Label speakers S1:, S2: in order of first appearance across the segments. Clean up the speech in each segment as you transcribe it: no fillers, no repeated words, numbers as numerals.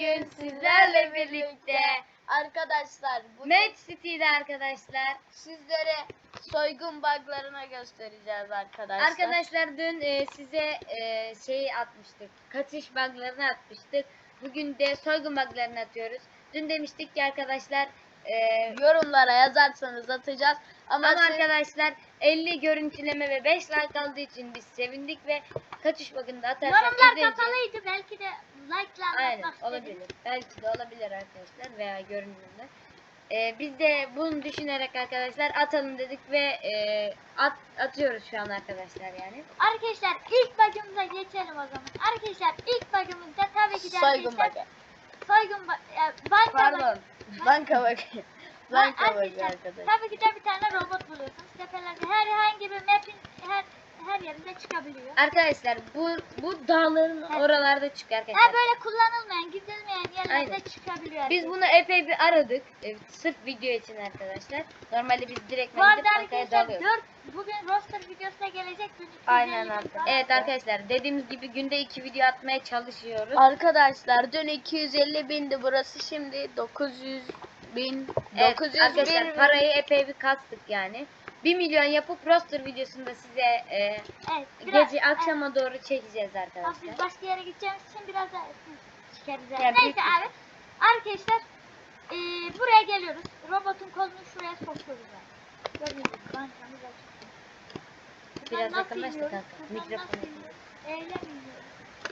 S1: bugün sizlerle birlikte
S2: Arkadaşlar
S1: Match City'de arkadaşlar.
S2: sizlere soygun buglarına göstereceğiz arkadaşlar.
S1: Arkadaşlar dün size şeyi atmıştık. Kaçış buglarını atmıştık. Bugün de soygun buglarını atıyoruz. Dün demiştik ki arkadaşlar
S2: yorumlara yazarsanız atacağız. Ama
S1: arkadaşlar 50 görüntüleme ve 5 like aldığı için biz sevindik ve kaçış bug'ını da atarsak
S3: yorumlar kapalıydı, belki de like'la
S1: aynen
S3: atmak
S1: olabilir.
S3: istedim.
S1: Belki de olabilir arkadaşlar veya görünümler. Biz de bunu düşünerek arkadaşlar atalım dedik ve atıyoruz şu an arkadaşlar yani.
S3: Arkadaşlar ilk bug'ımıza geçelim o zaman. Arkadaşlar ilk bug'ımızda tabii ki de
S2: soygun
S3: arkadaşlar
S2: bug'ı.
S3: soygun banka
S2: Pardon. Banka bug'ı. Banka bug'ı
S3: arkadaşlar.
S2: arkadaşlar.
S3: Tabii ki de bir tane robot buluyorsunuz. Tepelerde herhangi bir map'in her yerinde çıkabiliyor.
S1: Arkadaşlar bu dağların oralarda çıkıyor arkadaşlar.
S3: Ha, böyle kullanılmayan, gidilmeyen yerlerde
S1: Aynen.
S3: çıkabiliyor.
S1: Biz bunu epey bir aradık. Sırf video için arkadaşlar. Normalde biz direkt
S3: bu arada
S1: gidip bankaya
S3: arkadaşlar
S1: dalıyoruz.
S3: bugün roster videosuna gelecek.
S2: Aynen arkadaşlar.
S1: Evet arkadaşlar dediğimiz gibi günde 2 video atmaya çalışıyoruz.
S2: Arkadaşlar dün 250 bindi, burası şimdi 900 bin.
S1: Evet,
S2: 900
S1: arkadaşlar
S2: bin.
S1: parayı epey bir kastık yani. 1 milyon yapıp roster videosunda size
S3: Evet, biraz,
S1: gece akşama doğru çekeceğiz arkadaşlar.
S3: Biz başka yere gideceğimiz için biraz daha çıkarız.
S1: Yani
S3: Neyse abi. Arkadaşlar buraya geliyoruz. Robotun kolunu şuraya sokuyoruz. Gördüğünüz gibi bankamız açık.
S1: Biraz
S3: Nasıl
S1: yakınlaştı
S3: iniyoruz?
S1: kanka.
S3: Buradan
S1: Mikrofonu.
S3: nasıl iniyoruz? Öyle mi iniyoruz?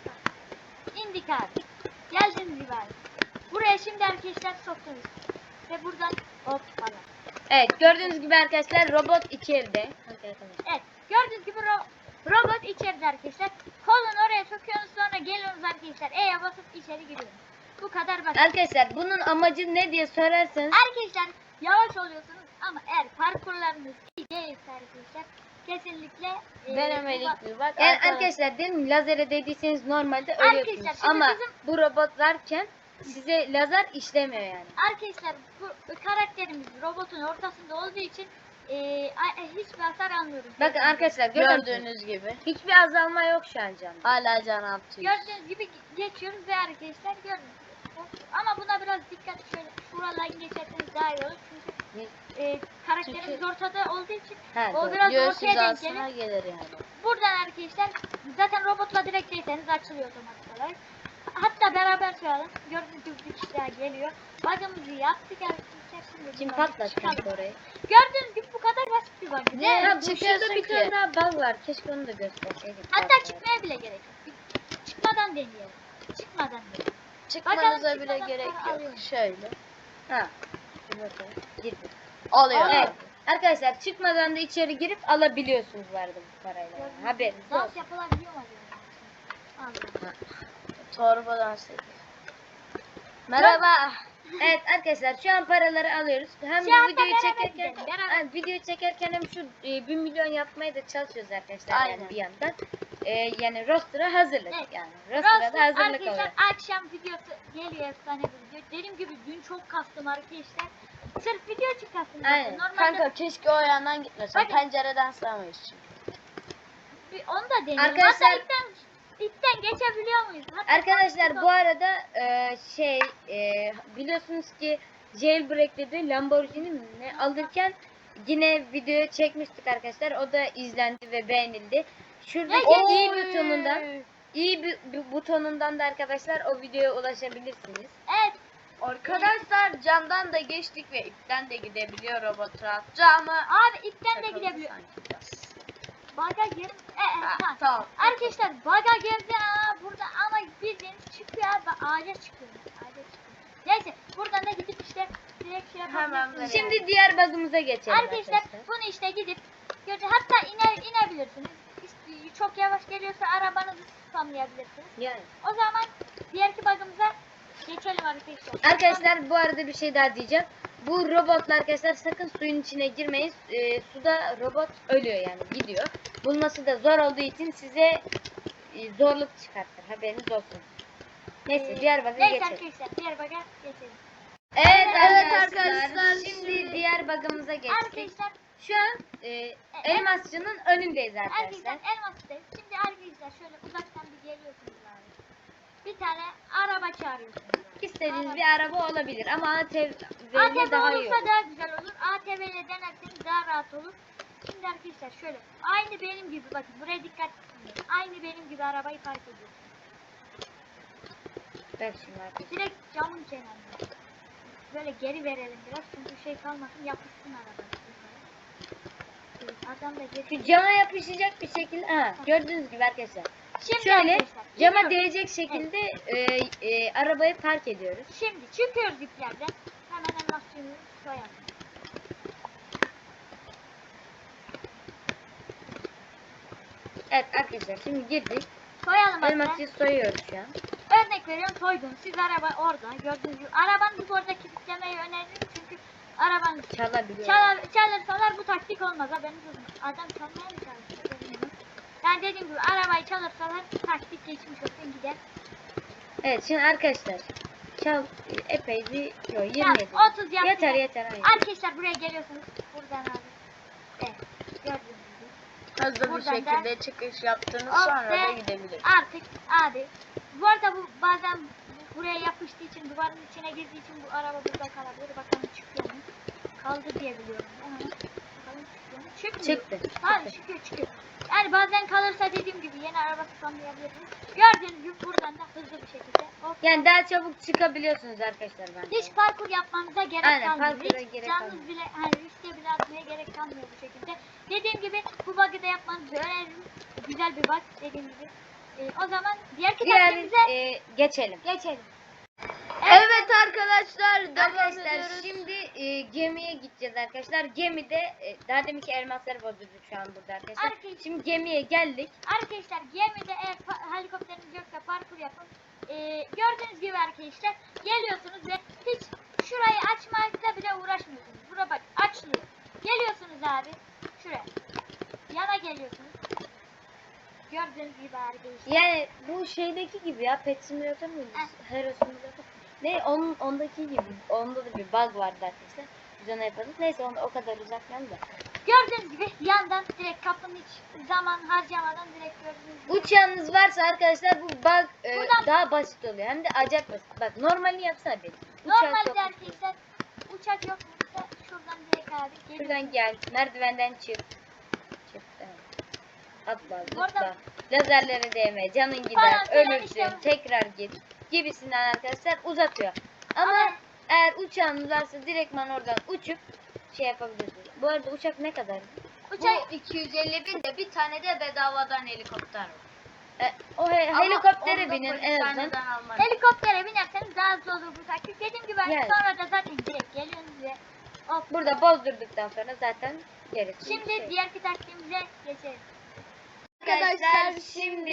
S3: İndik abi. Geldiğiniz gibi abi. Buraya şimdi arkadaşlar sokuyoruz. Ve buradan hop falan.
S1: Evet gördüğünüz gibi arkadaşlar robot içeride.
S3: Evet. Gördüğünüz gibi robot içeride arkadaşlar. Kolunu oraya sokuyorsunuz, sonra geliyorsunuz arkadaşlar. E'ye basıp içeri giriyorsunuz. Bu kadar basit.
S1: Arkadaşlar bunun amacı ne diye sorarsanız
S3: Arkadaşlar yavaş oluyorsunuz ama eğer parkurlarınız iyi değilse arkadaşlar kesinlikle
S2: Denemelik bir bak.
S1: yani arkadaşlar dedim lazere değdiyseniz normalde ölüyorsunuz.
S3: Arkadaşlar, şimdi
S1: Ama
S3: bizim-
S1: bu robot varken size lazer işlemiyor yani.
S3: Arkadaşlar bu karakterimiz robotun ortasında olduğu için hiçbir hasar almıyoruz.
S1: Bakın arkadaşlar gördüğünüz
S2: Gördüğünüz gibi
S1: hiçbir azalma yok şu an canım.
S2: hala can atıyor.
S3: Gördüğünüz gibi geçiyoruz ve arkadaşlar gördüğünüz gibi. Ama buna biraz dikkat, şöyle şuradan geçerseniz daha iyi olur. Çünkü karakterimiz ortada olduğu için
S1: Ha,
S3: o
S1: doğru.
S3: biraz
S2: Göğüs
S3: ortaya denk
S2: hizasına
S3: gelir.
S2: gelir yani.
S3: Buradan arkadaşlar zaten robotla direkt değseniz açılıyor otomatik olarak. Hatta beraber sayalım. Gördüğünüz gibi bir kişi daha geliyor. Bug'ımızı yaptık arkadaşlar. Şimdi
S1: Kim
S3: buradan
S1: patlattı
S3: çıkalım.
S1: kanka orayı?
S3: Gördüğünüz gibi bu kadar basit bir bug.
S2: Ne?
S1: Ha, bu
S2: çıkıyorsun
S1: şurada bir
S2: ki?
S1: tane daha bug var. Keşke onu da gösterseydik.
S3: Hatta çıkmaya bile gerek yok. Çıkmadan deneyelim. Çıkmadan deneyelim.
S2: Çıkmanıza
S3: Bakalım
S2: bile
S3: çıkmadan
S2: gerek
S3: para alıyor
S2: yok.
S3: mu?
S2: Şöyle.
S1: Ha. Bir bakalım. Girdi.
S2: Oluyor.
S1: Evet. Arkadaşlar çıkmadan da içeri girip alabiliyorsunuz vardı bu parayla. Yani.
S3: Gördüğünüz
S1: Haberiniz
S3: gibi dans
S1: olsun.
S3: yapılabiliyor mu acaba? Allah.
S2: Torbadan sekiz. Merhaba.
S1: Evet arkadaşlar şu an paraları alıyoruz. Hem
S3: Şu anda
S1: bu videoyu
S3: beraber
S1: çekerken
S3: gidelim, beraber.
S1: videoyu çekerken hem şu 1 milyon yapmaya da çalışıyoruz arkadaşlar
S2: Aynen.
S1: yani bir yandan. Yani roster'a hazırlık
S3: Evet.
S1: yani. Roster'a
S3: Roster
S1: da hazırlık
S3: arkadaşlar
S1: oluyor.
S3: akşam videosu geliyor, efsane bir video. Dediğim gibi dün çok kastım arkadaşlar. Sırf video için kastım. zaten.
S1: Aynen.
S3: Normalde
S2: Kanka keşke o yandan gitmesin.
S3: Bakın.
S2: Pencereden sığamayız çünkü.
S3: onu da deneyelim.
S1: Arkadaşlar-
S3: Hatta ipten geçebiliyor muyuz? Hatta
S1: Arkadaşlar bu arada biliyorsunuz ki jailbreak'te Lamborghini mi ne alırken yine video çekmiştik arkadaşlar. O da izlendi ve beğenildi. Şuradaki iyi
S2: Oy.
S1: butonundan butonundan da arkadaşlar o videoya ulaşabilirsiniz.
S3: Evet.
S2: Arkadaşlar camdan da geçtik ve ipten de gidebiliyor robot rahat. Camı
S3: Abi ipten de
S2: takıldı
S3: gidebiliyor.
S2: sanki biraz.
S3: Baga gir. Ha.
S2: Tamam.
S3: Arkadaşlar baga girdi burada ama bildiğiniz çıkıyor abi, ağaca çıkıyor. Ağaca çıkıyor. Neyse buradan da gidip işte direkt şey
S2: Hemen
S3: yapabilirsiniz.
S2: böyle.
S1: Şimdi diğer bug'ımıza geçelim
S3: Arkadaşlar bunu işte gidip hatta inebilirsiniz. Çok yavaş geliyorsa arabanızı spamlayabilirsiniz.
S1: Yani.
S3: O zaman diğerki bug'ımıza geçelim arkadaşlar.
S1: Arkadaşlar bu arada bir şey daha diyeceğim. Bu robotlar arkadaşlar sakın suyun içine girmeyin. Suda robot ölüyor yani gidiyor. Bulması da zor olduğu için size zorluk çıkartır. Haberiniz olsun. Neyse diğer bug'a
S3: Neyse
S1: geçelim.
S3: arkadaşlar diğer bug'a geçelim.
S1: Evet
S2: Evet
S1: arkadaşlar.
S2: arkadaşlar,
S1: Şimdi diğer bug'ımıza geçtik.
S3: Arkadaşlar
S1: Şu an elmasçının önündeyiz arkadaşlar.
S3: Arkadaşlar elmas'tayız. Şimdi arkadaşlar şöyle uzaktan bir geliyorsunuz abi. Bir tane araba çağırıyorsunuz abi.
S1: İstediğiniz bir araba olabilir ama ATV
S3: ATV
S1: daha iyi
S3: olursa
S1: olur.
S3: daha güzel olur. ATV ile denerseniz daha rahat olur. Şimdi arkadaşlar şöyle. Aynı benim gibi bakın. Buraya dikkat edin. Aynı benim gibi arabayı park ediyorsunuz.
S1: Bak şimdi arkadaşlar.
S3: Direkt camın kenarına. Böyle geri verelim biraz. Çünkü şey kalmasın. Yapışsın araba. Evet, adam da geri.
S1: Şu cama yapışacak bir şekilde, gördüğünüz gibi arkadaşlar.
S3: Şimdi
S1: Şöyle
S3: arkadaşlar,
S1: cama
S3: gidiyoruz.
S1: değecek şekilde arabayı park ediyoruz.
S3: Şimdi çıkıyoruz iplerden. Hemen elmas suyunu soyalım.
S1: Evet arkadaşlar şimdi girdik.
S3: Soyalım hatta.
S1: Elması soyuyoruz şu an.
S3: Örnek veriyorum soydum. Siz araba orada gördüğünüz gibi. Arabanızı bu arada kilitlemeyi öneririm çünkü arabanız
S1: Çalabiliyor.
S3: çalırsalar bu taktik olmaz. Haberiniz olsun. Adam çalmaya mı çalışıyor? Bilmiyorum. Yani dediğim gibi arabayı çalırsalar taktik geçmiş olsun gider.
S1: Evet şimdi arkadaşlar çal epey bir yo 27.
S3: Ya, 30 yaptı.
S1: Yeter yeter hayır.
S3: Arkadaşlar buraya geliyorsunuz. Buradan abi. Evet. Gördüğünüz gibi.
S2: Hızlı bir
S3: Buradan
S2: şekilde çıkış yaptınız
S3: Hop
S2: sonra
S3: ve
S2: da gidebiliriz.
S3: Artık abi. Bu arada bu bazen buraya yapıştığı için duvarın içine girdiği için bu araba burada kalabilir. Bakalım çıkıyor mu? Kaldı diye biliyorum. Hemen bakalım çıkıyor mu? Çıkmıyor.
S1: Çıktı.
S3: Ha çıkıyor. Yani bazen kalırsa dediğim gibi yeni araba spamlayabilirsiniz. Gördüğünüz gibi buradan da hızlı bir şekilde hop.
S1: Yani daha çabuk çıkabiliyorsunuz arkadaşlar bence.
S3: Hiç parkur yapmanıza gerek
S1: Aynen,
S3: kalmıyor.
S1: parkura
S3: Hiç
S1: gerek
S3: canınız
S1: kalmıyor.
S3: bile hani riske bile atmaya gerek kalmıyor bu şekilde. Dediğim gibi bu bug'ı da yapmanızı öneririm. Güzel bir bug dediğim gibi. O zaman diğer
S1: Diğer
S3: kitaplarımıza
S1: geçelim.
S3: geçelim.
S2: Evet arkadaşlar devam
S1: Arkadaşlar
S2: ediyoruz.
S1: şimdi gemiye gideceğiz arkadaşlar. Gemide daha deminki elmasları bozdurduk şu an burada arkadaşlar.
S3: Arkadaşlar-
S1: Şimdi gemiye geldik.
S3: Arkadaşlar gemide eğer helikopteriniz yoksa parkur yapın. Gördüğünüz gibi arkadaşlar geliyorsunuz ve hiç şurayı açmakla bile uğraşmıyorsunuz. Bura bak açılıyor. Geliyorsunuz abi şuraya. Yana geliyorsunuz. Gördüğünüz gibi arkadaşlar.
S1: Yani bu şeydeki gibi ya Pet Simulator muydu? Hero Simulator. Ne ondaki gibi. Onda da bir bug vardı arkadaşlar. Biz onu yapadık. Neyse onu o kadar uzatmayalım da.
S3: Gördüğünüz gibi yandan direkt kapının hiç zaman harcamadan direkt gördüğünüz gibi.
S1: Uçağınız varsa arkadaşlar bu bug
S3: Buradan-
S1: daha basit oluyor. Hem de acayip basit. Bak normalini yapsana bir. Uçak yok.
S3: Normalde arkadaşlar uçak yok mu? Şuradan direkt abi geliyorsunuz.
S1: Şuradan gel. Merdivenden çık. Çık. Evet. Atla,
S3: Bu arada-
S1: zıpla. Lazerlere değme. Canın
S3: Falan
S1: gider.
S3: filan
S1: Ölürsün.
S3: işte.
S1: Tekrar git. Gibisinden arkadaşlar uzatıyor. Ama
S3: Ama-
S1: eğer uçağınız varsa direktman oradan uçup şey yapabilirsiniz. Bu arada uçak ne kadar?
S3: Uçak
S2: Bu 250 bin de bir tane de bedavadan helikopter var. Ama
S1: Helikoptere
S2: onu da
S1: binin en azından.
S2: polishaneden almak.
S3: helikoptere binerseniz daha hızlı olur bu taktik. Dediğim gibi
S1: Yani.
S3: sonra da zaten direkt geliyorsunuz ve hop.
S1: Burada bozdurduktan sonra zaten gerisi.
S3: Şimdi
S1: şey.
S3: diğer taktiğimize geçelim.
S1: Arkadaşlar şimdi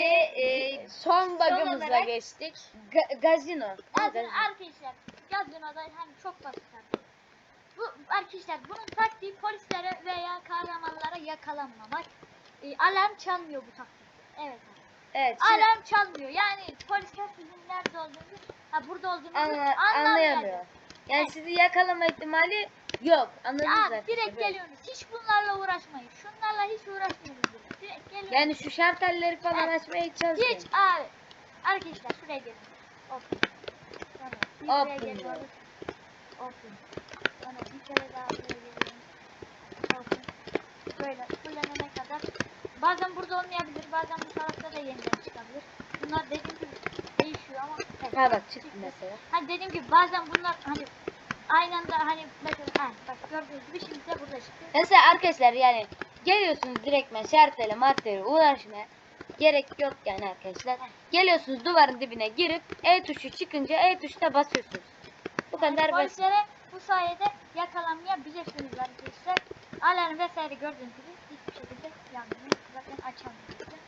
S2: Son
S1: son
S2: bug'ımıza
S1: olarak-
S2: geçtik.
S1: gazino.
S3: Arkadaşlar gazinoda hani çok basit artık. Bu arkadaşlar bunun taktiği polislere veya kahramanlara yakalanmamak. Alarm çalmıyor bu taktik. Evet.
S1: Evet. Şimdi
S3: Alarm çalmıyor. Yani polisler sizin nerede olduğunuzu, burada olduğunuzu
S1: anlayamıyor. Yani
S3: Evet.
S1: sizi yakalama ihtimali yok. Anladınız
S3: Ya
S1: zaten.
S3: direkt
S1: Böyle.
S3: geliyorsunuz. Hiç bunlarla uğraşmayın. Şunlarla hiç uğraşmıyorsunuz. Direkt geliyorsunuz.
S1: Yani şu şartelleri falan
S3: Evet.
S1: açmaya hiç çalışmayın.
S3: Hiç abi. Arkadaşlar şuraya gelin. Open. Tamam. Bir buraya
S1: Open
S3: geliyoruz.
S1: diyor.
S3: Open. Sonra bir kere daha buraya geliyoruz. Open. Böyle fullenene kadar. Bazen burada olmayabilir. Bazen bu tarafta da yeniden çıkabilir. Bunlar dediğim gibi değişiyor ama. Evet.
S1: Ha bak çıktı mesela.
S3: Hani dediğim gibi bazen bunlar hani aynı anda hani mesela bak gördüğünüz gibi şimdi de burada çıktı.
S1: Mesela arkadaşlar yani geliyorsunuz direktmen şartele martele uğraşmaya gerek yok yani arkadaşlar. Geliyorsunuz duvarın dibine girip E tuşu çıkınca E tuşuna basıyorsunuz. Bu kadar
S3: Yani
S1: basit.
S3: polislere bu sayede yakalanmayabilirsiniz arkadaşlar. Alarm vesaire gördüğünüz gibi hiçbir şekilde yanmıyor. Zaten açamıyorsunuz.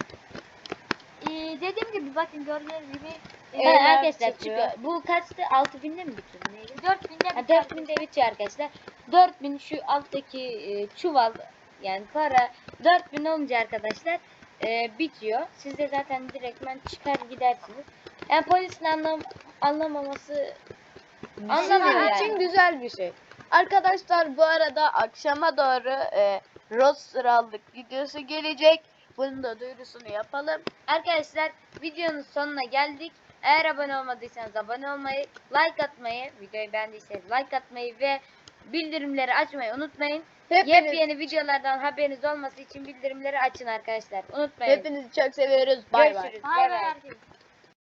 S3: Dediğim gibi bakın gördüğünüz gibi
S1: Evet arkadaşlar
S2: çıkıyor.
S1: çıkıyor. Bu kaçtı? 6000'de mi bitiyor? Neydi?
S3: 4000'de
S1: Ha, 4000'de bitiyor arkadaşlar. 4000 şu alttaki çuval yani para 4000 olunca arkadaşlar bitiyor. Siz de zaten direktmen çıkar gidersiniz. Yani polisin anlamaması anlamıyor
S2: Sizin
S1: yani.
S2: için güzel bir şey. Arkadaşlar bu arada akşama doğru roster aldık videosu gelecek. Bunun da duyurusunu yapalım.
S1: Arkadaşlar videonun sonuna geldik. Eğer abone olmadıysanız abone olmayı, like atmayı, videoyu beğendiyseniz like atmayı ve bildirimleri açmayı unutmayın. Yepyeni videolardan haberiniz olması için bildirimleri açın arkadaşlar. Unutmayın.
S2: Hepinizi çok seviyoruz. Bay bay.
S1: Görüşürüz.
S3: Bay bay herkese.